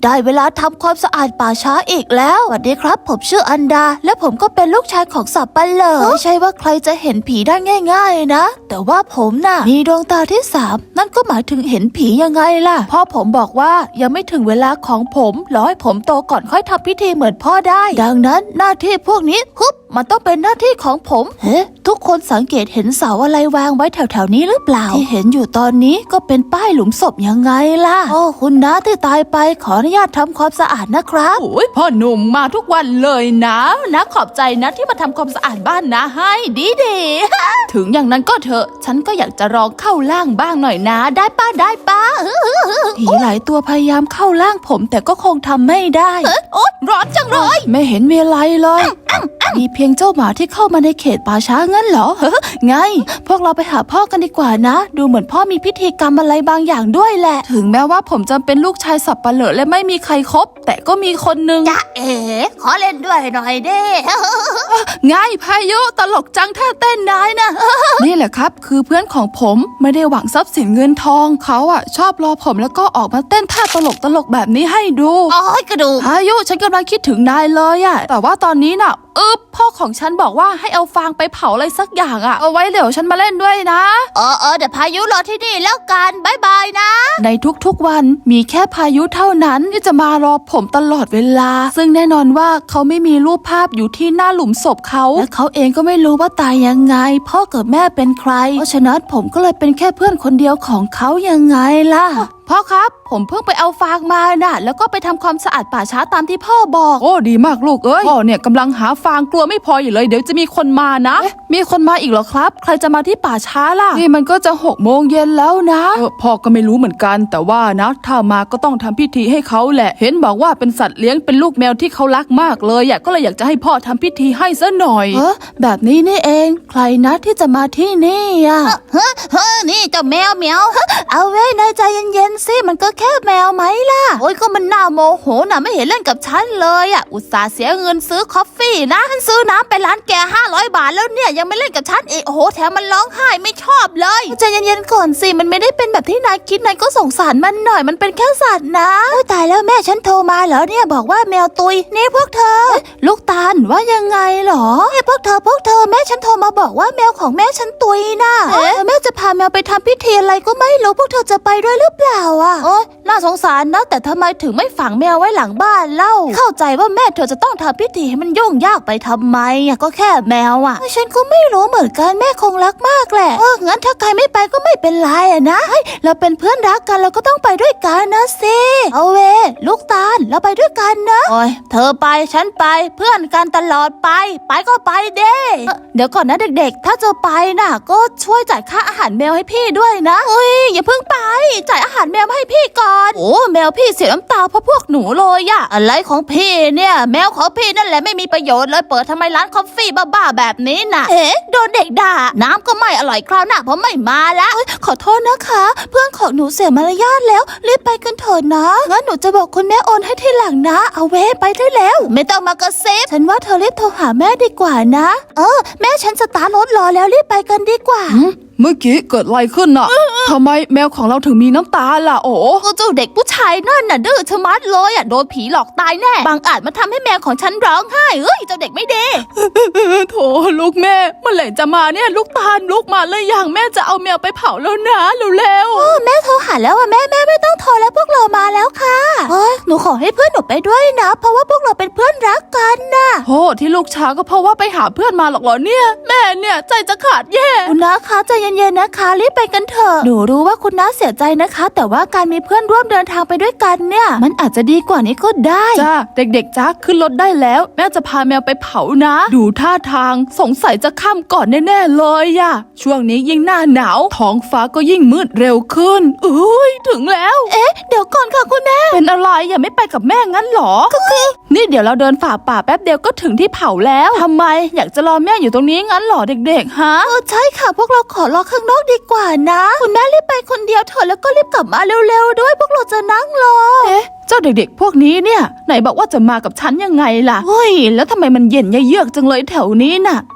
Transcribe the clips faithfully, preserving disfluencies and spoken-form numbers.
ได้เวลาทำความสะอาดป่าช้าอีกแล้วสวัสดีครับผมชื่ออันดาและผมก็เป็นลูกชายของสับปะเหร่อไม่ใช่ว่าใครจะเห็นผีได้ง่ายๆนะแต่ว่าผมน่ะมีดวงตาที่สามนั่นก็หมายถึงเห็นผียังไงล่ะพ่อผมบอกว่ายังไม่ถึงเวลาของผมรอให้ผมโตก่อนค่อยทำพิธีเหมือนพ่อได้ดังนั้นหน้าที่พวกนี้ฮึบมันต้องเป็นหน้าที่ของผมเฮ้ทุกคนสังเกตเห็นเสาอะไรวางไว้แถวๆนี้หรือเปล่าที่เห็นอยู่ตอนนี้ก็เป็นป้ายหลุมศพยังไงล่ะโอ้คุณน้าที่ตายไปขออนุญาตทำความสะอาดนะครับโอ้ยพ่อหนุ่มมาทุกวันเลยนะนะขอบใจนะที่มาทำความสะอาดบ้านนะให้ดีดี ถึงอย่างนั้นก็เถอะฉันก็อยากจะลองเข้าล่างบ้างหน่อยนะได้ป้าได้ป้าผีหลายตัวพยายามเข้าล่างผมแต่ก็คงทำไม่ได้โอ๊ยร้อนจังเลยไม่เห็นมีอะไรเลยมีเพียงเจ้าหมาที่เข้ามาในเขตป่าช้างั้นเหรอเฮ้ไงพวกเราไปหาพ่อกันดีกว่านะดูเหมือนพ่อมีพิธีกรรมอะไรบางอย่างด้วยแหละถึงแม้ว่าผมจะเป็นลูกชายสับปะเหร่อและไม่มีใครคบแต่ก็มีคนนึงจ๊ะเอ๋ขอเล่นด้วยหน่อยเด้ไงพายุตลกจังท่าเต้นได้นะ นี่แหละครับคือเพื่อนของผมไม่ได้หวังทรัพย์สินเงินทองเขาอ่ะชอบรอผมแล้วก็ออกมาเต้นท่าตลกตลกแบบนี้ให้ดูอ๋อกระดูกพายุฉันกำลังคิดถึงนายเลยอ่ะแต่ว่าตอนนี้น่ะอึ๊บพ่อของฉันบอกว่าให้เอาฟางไปเผาอะไรสักอย่างอ่ะเอาไว้เดี๋ยวฉันมาเล่นด้วยนะเออเออเดี๋ยวพายุรอที่นี่แล้วกันบายบายนะในทุกๆวันมีแค่พายุเท่านั้นที่จะมารอผมตลอดเวลาซึ่งแน่นอนว่าเขาไม่มีรูปภาพอยู่ที่หน้าหลุมศพเขาและเขาเองก็ไม่รู้ว่าตายยังไงพ่อกับแม่เป็นใครเพราะฉะนั้นผมก็เลยเป็นแค่เพื่อนคนเดียวของเขายังไงล่ะพ่อครับผมเพิ่งไปเอาฟางมาน่ะแล้วก็ไปทำความสะอาดป่าช้าตามที่พ่อบอกโอ้ดีมากลูกเอ้ยพ่อเนี่ยกำลังหาฟางกลัวไม่พออยู่เลยเดี๋ยวจะมีคนมานะมีคนมาอีกเหรอครับใครจะมาที่ป่าช้าล่ะนี่มันก็จะหกโมงเย็นแล้วนะเออพ่อก็ไม่รู้เหมือนกันแต่ว่านะถ้ามาก็ต้องทำพิธีให้เขาแหละเห็นบอกว่าเป็นสัตว์เลี้ยงเป็นลูกแมวที่เขารักมากเลยอยากก็เลยอยากจะให้พ่อทำพิธีให้ซะหน่อยเออแบบนี้นี่เองใครนะที่จะมาที่นี่อ่ะเฮ้เฮ้นี่เจ้าแมวเหมียวเอาไว้นายใจเย็นๆสิมันก็แค่แมวไหมล่ะโอ้ยก็มันน่าโมโหน่ะไม่เห็นเล่นกับฉันเลยอ่ะอุตส่าห์เสียเงินซื้อคอฟฟี่นะฉันซื้อน้ำไปร้านแกห้าร้อยบาทแล้วเนี่ยยังไม่เล่นกับฉันอีกโอ้โหแถมมันร้องไห้ไม่ชอบเลยใจเย็นๆก่อนสิมันไม่ได้เป็นแบบที่นายคิดนายก็สงสารมันหน่อยมันเป็นแค่สัตว์นะโอ้ยตายแล้วแม่ฉันโทรมาเหรอเนี่ยบอกว่าแมวตุยนี่พวกเธอลูกตาลว่ายังไงหรอไอ้พวกเธอพวกเธอแม่ฉันโทรมาบอกว่าแมวของแม่ฉันตุยนะเอ๊ะแม่จะพาแมวไปทำพิธีอะไรก็ไม่รู้พวกเธอจะไปด้วยหรือเปล่าอ่ะโอ้ยน่าสงสารนะแต่ทำไมถึงไม่ฝังแมวไว้หลังบ้านเล่าเข้าใจว่าแม่เธอจะต้องทำพิธีให้มันยุ่งยากไปทำไมอ่ะก็แค่แมวอ่ะฉันก็ไม่รู้เหมือนกันแม่คงรักมากแหละเอองั้นถ้าใครไม่ไปก็ไม่เป็นไรอ่ะนะเฮ้ยเราเป็นเพื่อนรักกันเราก็ต้องไปด้วยกันนะสิเอาเวลูกตาลเราไปด้วยกันนะโอ้ยเธอไปฉันไปเพื่อนกันตลอดไปไปก็ไปเด้เดี๋ยวก่อนนะเด็กๆถ้าจะไปน่ะก็ช่วยจ่ายค่าอาหารแมวให้พี่ด้วยนะเฮ้ยอย่าเพิ่งไปจ่ายอาหารแมวให้พี่ก่อนโอ้แมวพี่เสียน้ำตาเพราะพวกหนูเลยอะอะไรของพี่เนี่ยแมวของพี่นั่นแหละไม่มีประโยชน์เลยเปิดทำไมร้านคอฟฟี่บ้าๆแบบนี้น่ะเอ๊ะโดนเด็กด่าน้ำก็ไม่อร่อยคราวหน้าเพราะไม่มาแล้วขอโทษนะคะเพื่อนของหนูเสียมารยาทแล้วรีบไปกันเถอะนะงั้นหนูจะบอกคุณแม่โอนให้ทีหลังนะเอาเว้ไปได้แล้วไม่ต้องมากระซิบฉันว่าเธอรีบโทรหาแม่ดีกว่านะเออแม่ฉันสตาร์ทรถรอแล้วรีบไปกันดีกว่าเมื่อกี้เกิดอะไรขึ้นน่ะทำไมแมวของเราถึงมีน้ำตาล่ะโอ้เจ้าเด็กผู้ชายนั่นน่ะดื้อชะมัดเลยอ่ะโดนผีหลอกตายแน่บางอาจมาทำให้แมวของฉันร้องไห้เอ้ยเจ้าเด็กไม่ดีโถลูกแม่เมื่อไหร่จะมาเนี่ยลูกตาลลูกมาเลยอย่างแม่จะเอาแมวไปเผาแล้วนะเร็วๆแม่โทรหาแล้วอ่ะแม่แม่ไม่ต้องโทรแล้วพวกเรามาแล้วค่ะเฮ้ยหนูขอให้เพื่อนหนูไปด้วยนะเพราะว่าพวกเราเป็นเพื่อนรักกันน่ะโอ้ที่ลูกช้าก็เพราะว่าไปหาเพื่อนมาหรอกเหรอเนี่ยแม่เนี่ยใจจะขาดแย่คุณน้าคะใจเย็นๆนะคะรีบไปกันเถอะหนูรู้ว่าคุณน้าเสียใจนะคะแต่ว่าการมีเพื่อนร่วมเดินทางไปด้วยกันเนี่ยมันอาจจะดีกว่านี้ก็ได้จ้าเด็กๆจ้าขึ้นรถได้แล้วแม่จะพาแมวไปเผานะดูท่าทางสงสัยจะค่ำก่อนแน่ๆเลยอะช่วงนี้ยิ่งหน้าหนาวท้องฟ้าก็ยิ่งมืดเร็วขึ้นเอ้ยถึงแล้วเอ๊ะเดี๋ยวก่อนค่ะคุณแม่เป็นอะไรอย่าไม่ไปกับแม่งั้นหรอก็คือนี่เดี๋ยวเราเดินฝ่าป่าแป๊บเดียวก็ถึงที่เผาแล้วทำไมอยากจะรอแม่อยู่ตรงนี้งั้นหรอเด็กๆฮะเออใช่ค่ะพวกเราขอรอข้างนอกดีกว่านะคุณแม่รีบไปคนเดียวเถอะแล้วก็รีบกลับมาเร็วๆด้วยพวกเราจะนั่งรอเอ๊ะเจ้าเด็กๆพวกนี้เนี่ยไหนบอกว่าจะมากับฉันยังไงล่ะเฮ้ยแล้วทำไมมันเย็นเยือกจังเลยแถวนี้น่ะ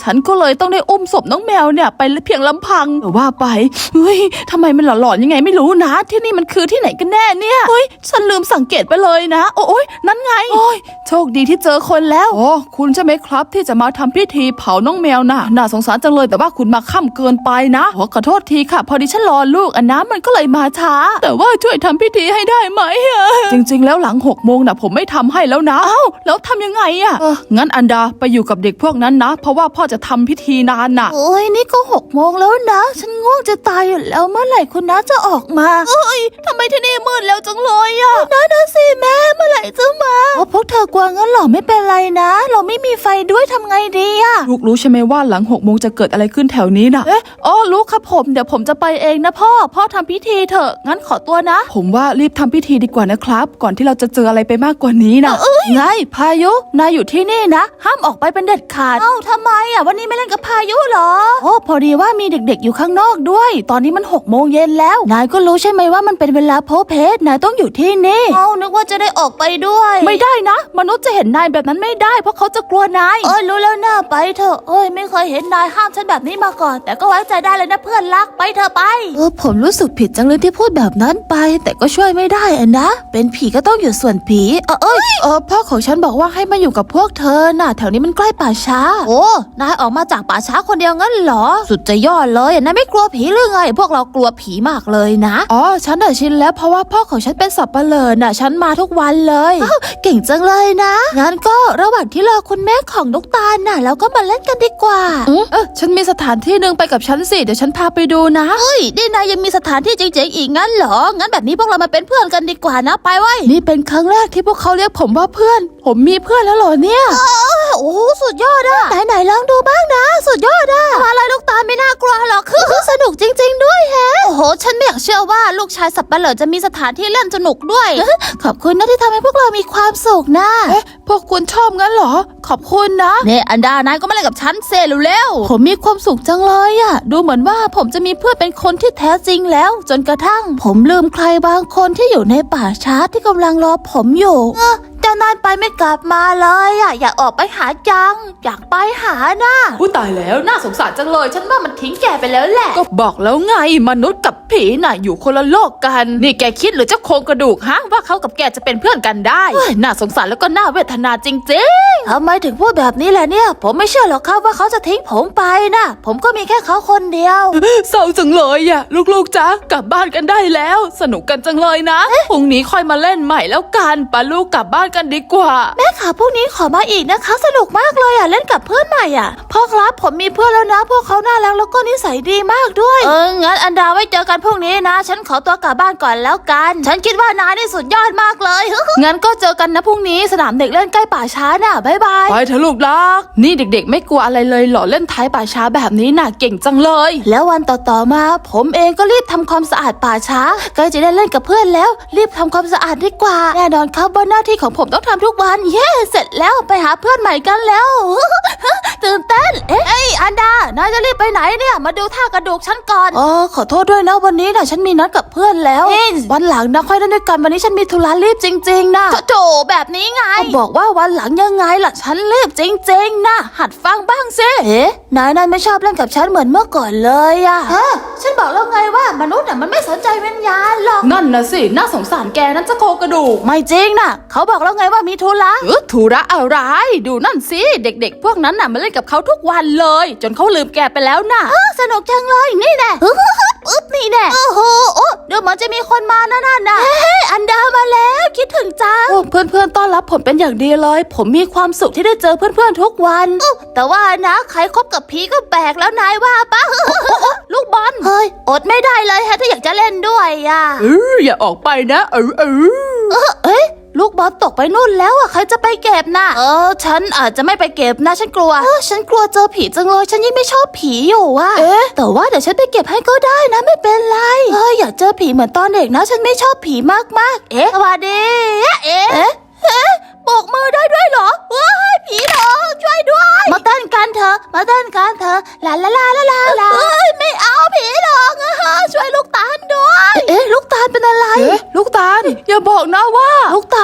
ฉันก็เลยต้องได้อุ้มศพน้องแมวเนี่ยไปเพียงลำพังแต่ว่าไปเฮ้ยทำไมมันหลอนๆยังไงไม่รู้นะที่นี่มันคือที่ไหนกันแน่เนี่ยเฮ้ยฉันลืมสังเกตไปเลยนะโอ้ยนั่นไงโอ้ยโชคดีที่เจอคนแล้วโอ้คุณใช่ไหมครับที่จะมาทำพิธีเผาน้องแมวน่ะน่าสงสารจังเลยแต่ว่าคุณมาค่ำเกินไปนะขอขอโทษทีค่ะพอดีฉันรอลูกอันน้ำมันก็เลยมาช้าแต่ว่าช่วยทำพิธีให้ได้ไหมอะจริงๆแล้วหลังหกโมงน่ะผมไม่ทำให้แล้วนะเอ้าแล้วทำยังไงอะเอองั้นอันดาไปอยู่กับเด็กพวกนั้นนะเพราะว่าพ่อจะทำพิธีนานน่ะโอ้ยนี่ก็หกโมงแล้วนะฉันง่วงจะตายอยู่แล้วเมื่อไหร่คุณน้าจะออกมาเอ้ยทำไมที่นี่มืดแล้วจังเลยอะน้านะสิแม่เมื่อไหร่จะมาโอ้พวกเธอกลัวงั้นหรอไม่เป็นไรนะเราไม่มีไฟด้วยทำไงดีอะลูกรู้ใช่ไหมว่าหลังหกโมงจะเกิดอะไรขึ้นแถวนี้น่ะเอ๊ะอ๋อลูกครับผมเดี๋ยวผมจะไปเองนะพ่อพ่อทำพิธีเถอะงั้นขอตัวนะผมว่ารีบทำพิธีดีกว่านะครับก่อนที่เราจะเจออะไรไปมากกว่านี้นะไงพายุนายอยู่ที่นี่นะห้ามออกไปเป็นเด็ดขาดเอ้าทำไมอ่ะวันนี้ไม่เล่นกับพายุเหรอโอ้พอดีว่ามีเด็กๆอยู่ข้างนอกด้วยตอนนี้มันหกโมงเย็นแล้วนายก็รู้ใช่ไหมว่ามันเป็นเวลาโพเพสนายต้องอยู่ที่นี่เอ้านึกว่าจะได้ออกไปด้วยไม่ได้นะมนุษย์จะเห็นนายแบบนั้นไม่ได้เพราะเขาจะกลัวนายเอ้ยรู้แล้วนะไปเถอะเอ้ยไม่เคยเห็นนายห้ามฉันแบบนี้มาก่อนแต่ก็ไว้ใจได้เลยนะเพื่อนรักไปเถอะไปเออผมรู้สึกผิดจังเลยที่พูดแบบนั้นไปแต่ก็ช่วยไม่ได้อะนะเป็นผีก็ต้องอยู่ส่วนผีเออเอ้ยเออพ่อของฉันบอกว่าให้มาอยู่กับพวกเธอน่ะแถวนี้มันใกล้ป่าช้าโอ้นายออกมาจากป่าช้าคนเดียวงั้นเหรอสุดจะยอดเลยนายไม่กลัวผีหรือไงพวกเรากลัวผีมากเลยนะอ๋อฉันน่ะชินแล้วเพราะว่าพ่อของฉันเป็นสับปะเลอน่ะฉันมาทุกวันเลยเก่งจังเลยนะงั้นก็ระหว่างที่รอคุณแม่ของลูกตาลน่ะเราก็มาเล่นกันดีกว่าเออฉันมีสถานที่นึงไปกับฉันสิเดี๋ยวฉันพาไปดูนะเฮ้ยนี่นายยังมีสถานที่เจ๋งๆอีกงั้นเหรองั้นแบบนี้พวกเรามาเป็นเพื่อนกันดีกว่านะไปไว้นี่เป็นครั้งแรกที่พวกเขาเรียกผมว่าเพื่อนผมมีเพื่อนแล้วเหรอเนี่ยโอ้สุดยอดอะไหนๆลองดูบ้างนะสุดยอดอะอะไรลูกตาลไม่น่ากลัวหรอกคือสนุกจริงๆด้วยแฮะโอ้โหฉันไม่อยากเชื่อว่าลูกชายสับปะเหร่อจะมีสถานที่เล่นสนุกด้วยขอบคุณนะที่ทำให้พวกเรามีความสุขนะเอ๊ะพวกคุณชอบงั้นเหรอขอบคุณนะเนี่ยอันดานายก็มาเล่นกับฉันเซ่เร็วๆผมมีความสุขจังเลยอะดูเหมือนว่าผมจะมีเพื่อนเป็นคนที่แท้จริงแล้วจนกระทั่งผมลืมใครบางคนที่อยู่ในป่าช้าที่กำลังรอผมอยู่เจ้านายไปไม่กลับมาเลยอะอยากออกไปหาจังอยากไปหาน่ะผู้ตายแล้วน่าสงสารจังเลยฉันว่ามันทิ้งแกไปแล้วแหละก็บอกแล้วไงมนุษย์กับผีน่ะอยู่คนละโลกกันนี่แกคิดหรือเจ้าโครงกระดูกฮะว่าเขากับแกจะเป็นเพื่อนกันได้น่าสงสารแล้วก็น่าเวทนาจริงๆทำไมถึงพูดแบบนี้แหละเนี่ยผมไม่เชื่อหรอกครับว่าเขาจะทิ้งผมไปนะผมก็มีแค่เขาคนเดียวเศร้าจังเลยอะลูกๆจ๊ะกลับบ้านกันได้แล้วสนุกกันจังเลยนะพรุ่งนี้ค่อยมาเล่นใหม่แล้วกันป้าลูกกลับบ้านกันดีกว่าแม่ค่ะพรุ่งนี้ขอมาอีกนะคะสนุกมากเลยอ่ะเล่นกับเพื่อนใหม่อ่ะพ่อครับผมมีเพื่อนแล้วนะพวกเขาน่ารักแล้วก็นิสัยดีมากด้วยเอองั้นอันดาไว้เจอกันพรุ่งนี้นะฉันขอตัวกลับบ้านก่อนแล้วกันฉันคิดว่านายนี่สุดยอดมากเลยงั้นก็เจอกันนะพรุ่งนี้สนามเด็กเล่นใกล้ป่าช้าน่ะบ๊ายบายไปเถอะลูกรักนี่เด็กๆไม่กลัวอะไรเลยหรอเล่นท้ายป่าช้าแบบนี้น่ะเก่งจังเลยแล้ววันต่อๆมาผมเองก็รีบทำความสะอาดป่าช้าใกล้จะได้เล่นกับเพื่อนแล้วรีบทำความสะอาดดีกว่าแน่นอนครับว่าหน้าที่ของผมต้องทำทุกวันเย้เสร็จแล้วไปหาเพื่อนใหม่กันแล้วตื่นเต้นเอ๊ะอันดานายจะรีบไปไหนเนี่ยมาดูท่ากระดูกฉันก่อนอ๋อขอโทษด้วยนะวันนี้นะฉันมีนัดกับเพื่อนแล้ววันหลังนะค่อยเล่นด้วยกันวันนี้ฉันมีธุระรีบจริงๆนะโถแบบนี้ไงบอกว่าวันหลังยังไงล่ะฉันรีบจริงๆนะหัดฟังบ้างสิเอ๊ะนายนั่นไม่ชอบเล่นกับฉันเหมือนเมื่อก่อนเลยอะฮะฉันบอกแล้วไงว่ามนุษย์น่ะมันไม่สนใจวิญญาณหรอกนั่นนะสิน่าสงสารแกนั่นจะโคกระดูกไม่จริงนะเขาบอกแล้วไงว่ามีธุระเออธุระอะไรดูนั่นสิเด็กๆพวกนั้นน่ะมาเล่นกับเขาทุกวันเลยจนเขาลืมแกไปแล้วน่ะสนุกจังเลยนี่แน่อึ๊บนี่แน่โอ้โหโอ้เดี๋ยวมันจะมีคนมานั่นน่ะเฮ้ยอันดามาแล้วคิดถึงจังเพื่อนๆต้อนรับผมเป็นอย่างดีเลยผมมีความสุขที่ได้เจอเพื่อนๆทุกวันแต่ว่านะใครคบกับผีก็แปลกแล้วนายว่าปะลูกบอลเฮ้ยอดไม่ได้เลยฮะถ้าอยากจะเล่นด้วยอ่ะเอออย่าออกไปนะเออเออเอ้ยลูกบอลตกไปนู่นแล้วอ่ะใครจะไปเก็บน่ะเออฉันอาจจะไม่ไปเก็บนะฉันกลัวเออฉันกลัวเจอผีจังเลยฉันยิ่งไม่ชอบผีอยู่อ่ะเอ๊ะแต่ว่าเดี๋ยวฉันไปเก็บให้ก็ได้นะไม่เป็นไรเอออย่าเจอผีเหมือนตอนเด็กนะฉันไม่ชอบผีมากๆเอ๊ะสวัสดีเอ๊ะเอ๊ะเอ๊ะโบกมือได้ด้วยเหรอว้ายผีหลอกช่วยด้วยมาเต้นกันเถอะมาเต้นกันเถอะลาลาลาลาลาลาเอ้ยไม่เอาผีหลอกอะฮะช่วยลูกตาลด้วยเอ๊ะลูกตาลเป็นอะไรเอ๊ะลูกตาลอย่าบอกนะว่าลูกตาลหยุดร้อง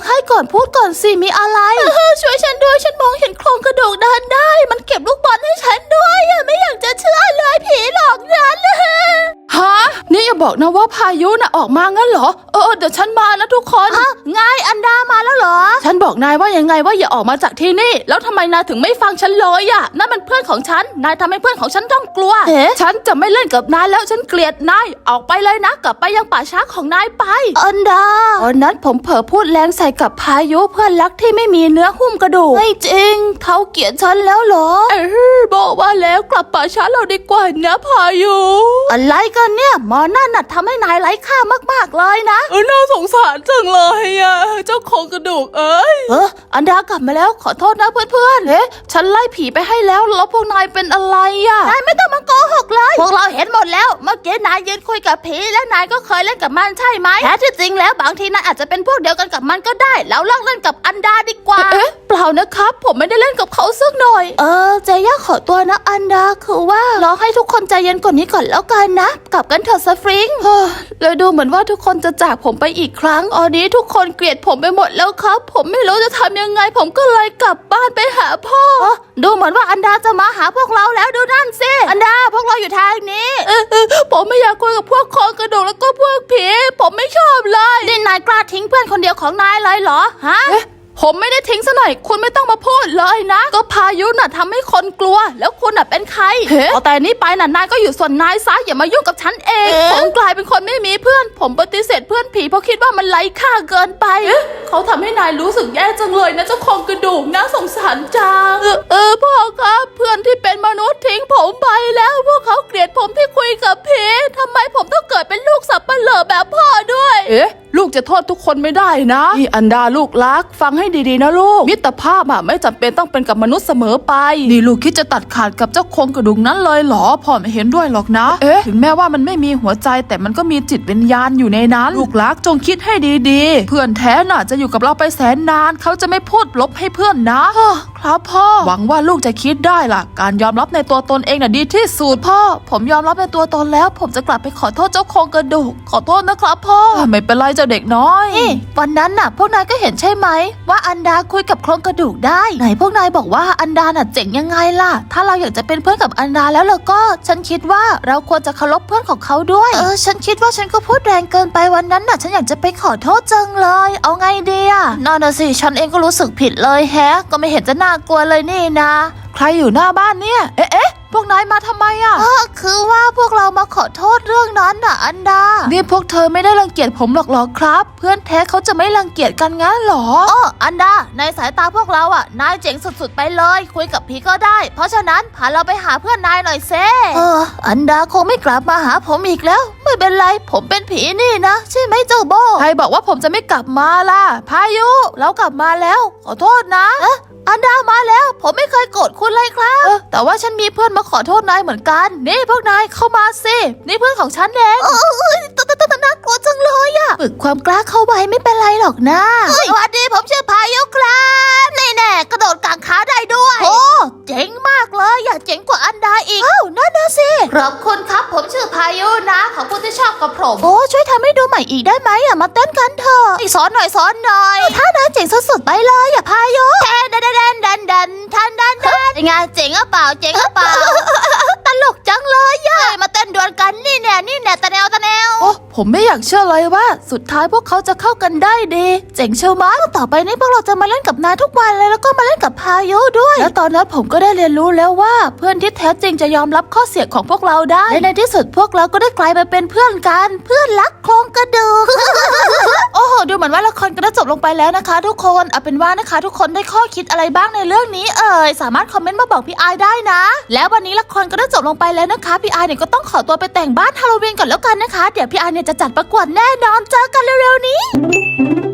ให้ก่อนพูดก่อนสิมีอะไร ช่วยฉันด้วยฉันมองเห็นโครงกระดูกเดินได้มันเก็บลูกบอลให้ฉันด้วยอะไม่อยากจะเชื่อเลยผีหลอกฉันฮะนี่อย่าบอกนะว่าพายุน่ะออกมางั้นเหรอเออเดี๋ยวฉันมานะทุกคนฮะไงอันดามาแล้วเหรอฉันบอกนายว่ายังไงว่าอย่าออกมาจากที่นี่แล้วทำไมนายถึงไม่ฟังฉันเลยอ่ะนั่นมันเพื่อนของฉันนายทำให้เพื่อนของฉันต้องกลัวเอ๊ะฉันจะไม่เล่นกับนายแล้วฉันเกลียดนายออกไปเลยนะกลับไปยังป่าช้าของนายไปอันดาตอนนั้นผมเผลอพูดแรงใส่กับพายุเพื่อนรักที่ไม่มีเนื้อหุ้มกระดูกไม่จริงเขาเกลียดฉันแล้วเหรอเออบอกว่าแล้วกลับป่าช้าเราดีกว่านะพายุอะไรกันเนี่ยหมอนั่นน่ะทำให้นายไร้ค่ามากๆเลยนะเออน่าสงสารจังเลยอ่ะเจ้าของกระดูกเอ้ยเอออันดากลับมาแล้วขอโทษนะเพื่อนเอ๊ะฉันไล่ผีไปให้แล้วแล้วพวกนายเป็นอะไรอ่ะๆนายไม่ต้องมาโกหกเลย พวกเราเห็นหมดแล้วเมื่อกี้นายยืนคุยกับผีและนายก็เคยเล่นกับมันใช่ไหมแท้ที่จริงแล้วบางทีนายอาจจะเป็นพวกเดียวกันกับมันก็ได้แล้วเลิกเล่นกับอันดาดีกว่าเอ๊ะเปล่านะครับ ผมไม่ได้เล่นกับเขาสักหน่อยเออเจย่าขอตัวนะอันดาคือว่ารอให้ทุกคนใจเย็นกว่านี้ก่อนแล้วกันนะกลับกันเถอะสฟริงเฮ้อเลยดูเหมือนว่าทุกคนจะจากผมไปอีกครั้งตอนนี้ทุกคนเกลียดผมไปหมดแล้วครับ ผมไม่รู้จะทำยังไง ผมก็เลยกลับบ้านไปหาพ่อเออดูเหมือนว่าอันดาจะมาหาพวกเราแล้วดูนั่นสิอันดาพวกเราอยู่ทางนี้เออเออผมไม่อยากคุยกับพวกคอกระดูกแล้วก็พวกผีผมไม่ชอบเลยนี่นายกล้าทิ้งเพื่อนคนเดียวของนายเลยเหรอฮะเอ๊ะผมไม่ได้ทิ้งซะหน่อยคุณไม่ต้องมาพูดเลยนะ ก็พายุน่ะทำให้คนกลัว แล้วคุณน่ะเป็นใครเอาแต่นี้ไปน่ะนายก็อยู่ส่วนนายซะอย่ามายุ่งกับฉันเองเอ๊ะผมกลายเป็นคนไม่มีเพื่อน ผมปฏิเสธเพื่อนผีเพราะคิดว่ามันไร้ค่าเกินไปเขาทำให้นายรู้สึกแย่จังเลยนะเจ้าของกระดูกน่าสงสารจังเออเออพ่อครับเพื่อนที่เป็นมนุษย์ทิ้งผมไปแล้วพวกเขาเกลียดผมที่คุยกับผีทำไมผมต้องเกิดเป็นลูกสับปะเหร่อแบบพ่อด้วยเอ๊ะลูกจะโทษทุกคนไม่ได้นะนี่อันดาลูกรักฟังให้ดีๆนะลูกมิตรภาพอะไม่จำเป็นต้องเป็นกับมนุษย์เสมอไปนี่ลูกคิดจะตัดขาดกับเจ้าโครงกระดูกนั้นเลยเหรอพ่อไม่เห็นด้วยหรอกนะเอ๊ะถึงแม้ว่ามันไม่มีหัวใจแต่มันก็มีจิตวิญญาณอยู่ในนั้นลูกรักจงคิดให้ดีๆเพื่อนแท้น่ะจะอยู่กับเราไปแสนนานเขาจะไม่พูดลบให้เพื่อนนะฮะครับพ่อหวังว่าลูกจะคิดได้ล่ะการยอมรับในตัวตนเองน่ะดีที่สุดพ่อผมยอมรับในตัวตนแล้ว ผมจะกลับไปขอโทษเจ้าโครงกระดูกขอโทษนะครับพ่อไม่เป็นไรเจ้าเด็กน้อยนี่วันนั้นน่ะพวกนายก็เห็นใช่ไหมว่าอันดาคุยกับโครงกระดูกได้ไหนพวกนายบอกว่าอันดาน่ะเจ๋งยังไงล่ะถ้าเราอยากจะเป็นเพื่อนกับอันดาแล้วเราก็ฉันคิดว่าเราควรจะเคารพเพื่อนของเขาด้วยเออฉันคิดว่าฉันก็พูดแรงเกินไปวันนั้นน่ะฉันอยากจะไปขอโทษจังเลยเอาไงดีอะนั่นน่ะสิฉันเองก็รู้สึกผิดเลยแฮะก็ไม่เห็นจะน่ากลัวเลยนี่นะใครอยู่หน้าบ้านเนี่ยเอ๊ะเอ๊ะพวกนายมาทำไมอะเออคือว่าพวกเรามาขอโทษเรื่องนั้นน่ะอันดานี่พวกเธอไม่ได้รังเกียจผมหรอกหรอครับ เพื่อนแท้เขาจะไม่รังเกียจกันงั้นหรออ๋ออันดาในสายตาพวกเราอ่ะนายเจ๋งสุดๆไปเลยคุยกับผีก็ได้ เพราะฉะนั้นพาเราไปหาเพื่อนนายหน่อยเซ่เอออันดาคงไม่กลับมาหาผมอีกแล้ว ไม่เป็นไรผมเป็นผีนี่นะใช่ไหมเจ้าโบใครบอกว่าผมจะไม่กลับมาล่ะพายุเรากลับมาแล้วขอโทษนะเอ๊ะอันดามาแล้วผมไม่เคยโกรธคุณเลยครับเออแต่ว่าฉันมีเพื่อนมาขอโทษนายเหมือนกันนี่พวกนายเข้ามาสินี่เพื่อนของฉันเองเออตตตน่ากลัวจังเลยอ่ะฝึกความกล้าเข้าไว้ไม่เป็นไรหรอกนะสวัสดีผมชื่อพายุครับนี่แน่กระโดดกางขาได้ด้วยโอ้เจ๋งมากเลยอย่าเจ๋งกว่าอันดาอีกอ้าวนั่นนะสิขอบคุณครับผมชื่อพายุนะขอบคุณที่ชอบกับผมโอ้ช่วยทำให้ดูใหม่อีกได้ไหมอ่ะมาเต้นกันเถอะสอนหน่อยสอนหน่อยท่านั้นเจ๋งสุดๆไปเลยอย่าพายุแทนดันดันดันดันทันดันดันงานเจ๋งหรือเปล่าเจ๋งหรือเปล่า ตลกจังเลยย่ามาเต้นดวลกันนี่แน่นี่แน่ตะแนวตะแนวโอ้ผมไม่อยากเชื่อเลยว่า สุดท้ายพวกเขาจะเข้ากันได้ดีเจ๋งเชียวมั้งต่อไปนี้พวกเราจะมาเล่นกับนายทุกวันเลยแล้วก็มาเล่นกับพายุด้วยแล้วตอนนั้นผมก็ได้เรียนรู้แล้วว่าเพื่อนที่แท้จริงจะยอมรับข้อเสียของพวกเราได้และในที่สุดพวกเราก็ได้กลายมาเป็นเพื่อนกันเพื่อนรักโครงกระดูก โอ้โหดูเหมือนว่าละครก็ได้จบลงไปแล้วนะคะ ทุกคนเอาเป็นว่านะคะทุกคนได้ข้อคิดอะไรบ้างในเรื่องนี้เอ่ยสามารถคอมเมนต์มาบอกพี่อายได้นะแล้ววันนี้ละครก็ได้จบลงไปแล้วนะคะพี่อายเนี่ยก็ต้องขอตัวไปแต่งบ้านฮาโลวีนก่อนแล้วกันนะคะเดี๋ยวพี่อายเนี่ยจะจัดประกวดแน่นอนเจอกันเร็วๆนี้